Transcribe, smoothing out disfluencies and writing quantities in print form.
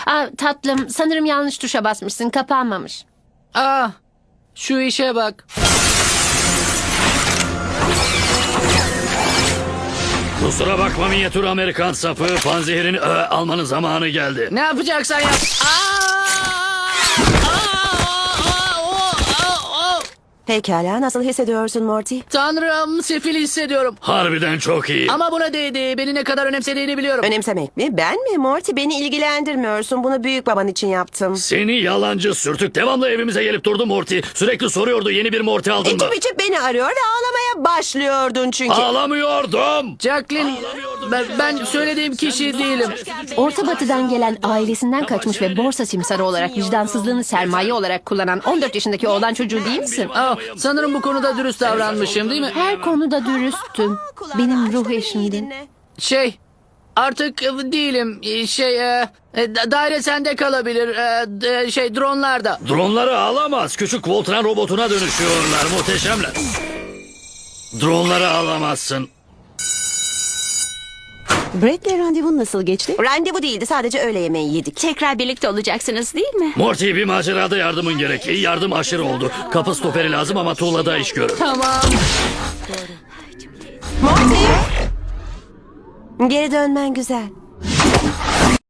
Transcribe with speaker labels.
Speaker 1: Tatlım, sanırım yanlış tuşa basmışsın. Kapanmamış.
Speaker 2: Şu işe bak.
Speaker 3: Kusura bakma minyatür Amerikan sapı. Panzehirini almanın zamanı geldi.
Speaker 2: Ne yapacaksan yap.
Speaker 4: Pekala, nasıl hissediyorsun Morty?
Speaker 2: Tanrım, sefil hissediyorum.
Speaker 3: Harbiden çok iyi.
Speaker 2: Ama buna değdi. Beni ne kadar önemsediğini biliyorum.
Speaker 4: Önemsemek mi? Ben mi? Morty, beni ilgilendirmiyorsun. Bunu büyük baban için yaptım.
Speaker 3: Seni yalancı sürtük. Devamlı evimize gelip durdu Morty. Sürekli soruyordu yeni bir Morty aldın mı?
Speaker 4: İçip içip beni arıyor ve ağlamaya başlıyordun çünkü.
Speaker 3: Ağlamıyordum.
Speaker 2: Jacqueline, ben söylediğim kişi değilim.
Speaker 1: Orta Batı'dan gelen, ailesinden kaçmış ve borsa simsarı olarak vicdansızlığını sermaye olarak kullanan 14 yaşındaki oğlan çocuğu değil misin?
Speaker 2: Sanırım bu konuda dürüst davranmışım, değil mi?
Speaker 1: Her konuda dürüsttün. Benim ruh eşimdin.
Speaker 2: Artık değilim. Daire sende kalabilir. Dronlarda.
Speaker 3: Dronları alamaz. Küçük Voltran robotuna dönüşüyorlar. Muhteşemler. Dronları alamazsın.
Speaker 5: Brett'le randevun nasıl geçti?
Speaker 4: Randevu değildi, sadece öğle yemeği yedik.
Speaker 6: Tekrar birlikte olacaksınız değil mi?
Speaker 3: Morty, bir macerada yardımın gerek. Yardım aşırı oldu. Kapı stoperi lazım ama tuğlada iş görür.
Speaker 2: Tamam.
Speaker 4: Morty! Geri dönmen güzel.